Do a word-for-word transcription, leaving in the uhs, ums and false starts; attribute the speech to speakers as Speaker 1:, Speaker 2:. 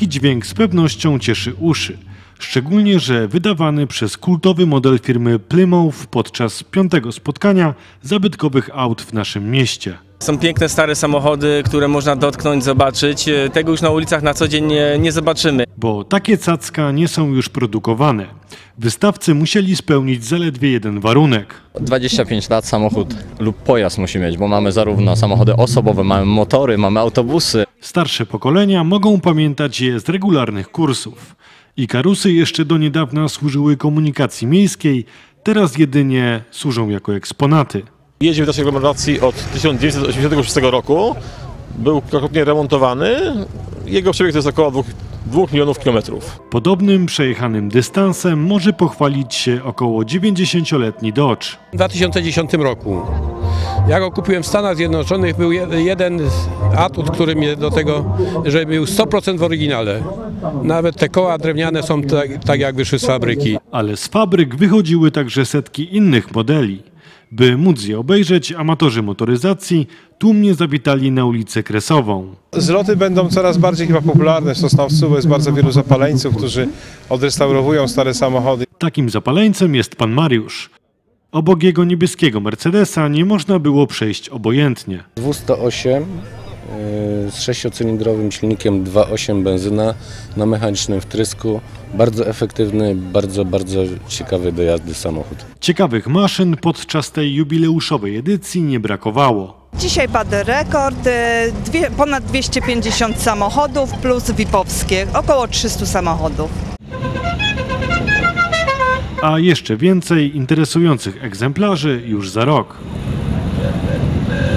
Speaker 1: Taki dźwięk z pewnością cieszy uszy. Szczególnie, że wydawany przez kultowy model firmy Plymouth podczas piątego spotkania zabytkowych aut w naszym mieście.
Speaker 2: Są piękne stare samochody, które można dotknąć, zobaczyć. Tego już na ulicach na co dzień nie, nie zobaczymy.
Speaker 1: Bo takie cacka nie są już produkowane. Wystawcy musieli spełnić zaledwie jeden warunek.
Speaker 3: dwadzieścia pięć lat samochód lub pojazd musi mieć, bo mamy zarówno samochody osobowe, mamy motory, mamy autobusy.
Speaker 1: Starsze pokolenia mogą pamiętać je z regularnych kursów. Ikarusy jeszcze do niedawna służyły komunikacji miejskiej, teraz jedynie służą jako eksponaty.
Speaker 4: Jeździ w naszej aglomeracji od tysiąc dziewięćset osiemdziesiątego szóstego roku. Był kilkakrotnie remontowany. Jego przebieg to jest około dwóch milionów kilometrów.
Speaker 1: Podobnym przejechanym dystansem może pochwalić się około dziewięćdziesięcioletni Dodge.
Speaker 5: W dwa tysiące dziesiątym roku. Ja go kupiłem w Stanach Zjednoczonych, był jeden atut, który mnie do tego, że był sto procent w oryginale. Nawet te koła drewniane są tak, tak jak wyszły z fabryki.
Speaker 1: Ale z fabryk wychodziły także setki innych modeli. By móc je obejrzeć, amatorzy motoryzacji tłumnie zawitali na ulicę Kresową.
Speaker 6: Zloty będą coraz bardziej chyba popularne w Sosnowcu, bo jest bardzo wielu zapaleńców, którzy odrestaurowują stare samochody.
Speaker 1: Takim zapaleńcem jest pan Mariusz. Obok jego niebieskiego Mercedesa nie można było przejść obojętnie.
Speaker 7: dwieście osiem z sześciocylindrowym silnikiem dwa przecinek osiem benzyna na mechanicznym wtrysku. Bardzo efektywny, bardzo, bardzo ciekawy do jazdy samochód.
Speaker 1: Ciekawych maszyn podczas tej jubileuszowej edycji nie brakowało.
Speaker 8: Dzisiaj padł rekord, dwie, ponad dwieście pięćdziesiąt samochodów plus V I P-owskie, około trzysta samochodów.
Speaker 1: A jeszcze więcej interesujących egzemplarzy już za rok.